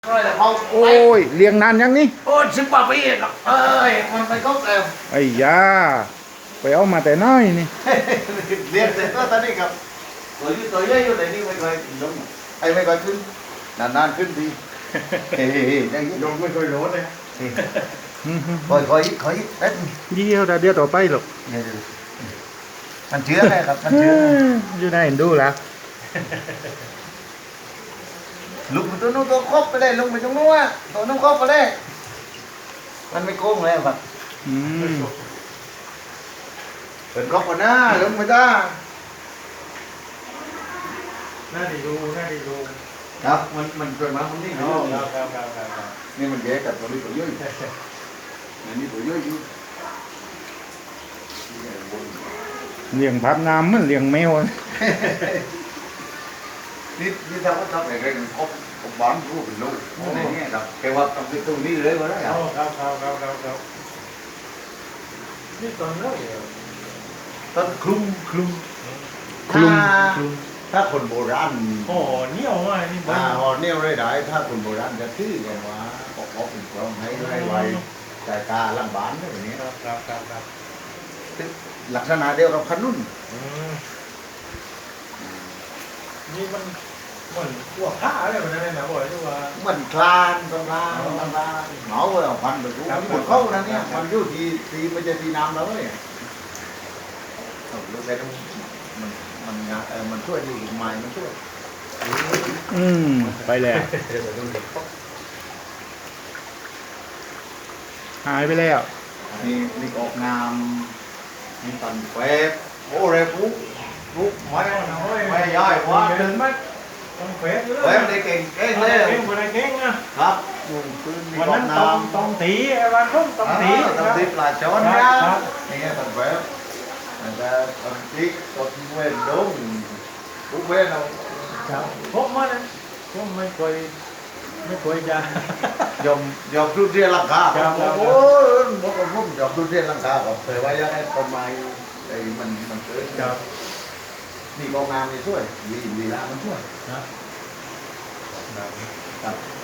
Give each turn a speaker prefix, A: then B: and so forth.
A: โอ้ยเลี้ยงนานยังนี่
B: โอ้10 กว่าปีหรอกมันไปก็แล้ว
A: ไอ้ยาไปเอามาแต่น้อยนี่
B: เรียนเสร็จก็ตอนนี้ครับตัวเยอะอยู่แต่นี่ไม่เคยลงไม่เคยขึ้นนานๆขึ้นทีอย่างนี้ลงไม่เคยโหลดเลยคอยเอ๊ะ
A: เดียวเดียวต่อไปหรอก
B: มันเชื้อไงครับมันเชื้อ
A: อยู่ได้เห็นดูแล้ว
B: ลุกไปตัวนู้นตัวครบไปเลยลุกไปตรงนู้นตัวนู้นครบไปเลยมันไม่โกงเลยครับเป็นครบก่อนนะลุกไปจ้า
C: น่าดีดู
B: ครับมันเกิดมามันนี่
C: ครับ
B: นี่มันแย่กับตัวนี้ตัวย่อยนี่ตัวย่อยอยู่
A: เลี้ยงพับน้ำมันเลี้ยงแมว
B: นี่ถ้าว่าทำอะไรกันครบบ้านรู้เป็นลูกอะไรเงี้ยครับแกว่าต้องไปตรงนี้เลยว่าได้
C: ครับนี่ตอนนั้น
B: ตอนคลุมถ้าคนโบราณ
C: ห่อเนี้ยวไงนี่บ้าน
B: ห่อเนี้ยวได้ถ้าคนโบราณจะชื่อกันว่าออกเป็นกลองให้ไวแต่กาลังบ้านแบบนี้
C: ครับ
B: ลักษณะเดียวกับขนุน
C: นี่มันเหมือนพวกผ้าอะไรแบบนั้นนะบ่อยที่ว่า
B: มันคลานเหมาเลยพันไปรู้หมดเข้านะเนี่ยมันอยู่ที่มันจะที่น้ำแล้วเนี่ยรู้แต่มันช่วยดีอีกไม้มันช่วย
A: ไปแล้วหายไปแล้ว
B: นี่ออกงามนี่ตันแฝบโอ้เรปุ๊บไม่ย่อยว่า
C: เดินไหมต้องแฝบ
B: เลยได้เก่งเลย
C: เก่ง
B: นะครับ
C: วันนั้นต้องตีวันรุ่งต้องตี
B: ปลาช้อนนะนี่ตันแฝบแต่ตันติ๊กตันเวนดงปุ๊บเวนเอา
C: พบมาเลยผมไม่เคยจะ
B: ยอมทุเรียนราคาโอ้ผมยอมทุเรียนราคาครับแต่ว่ายังไงประมาณไอ้มันเกิดนี่กองงานนี่ช่วยลีลามันช่วย
C: ครับ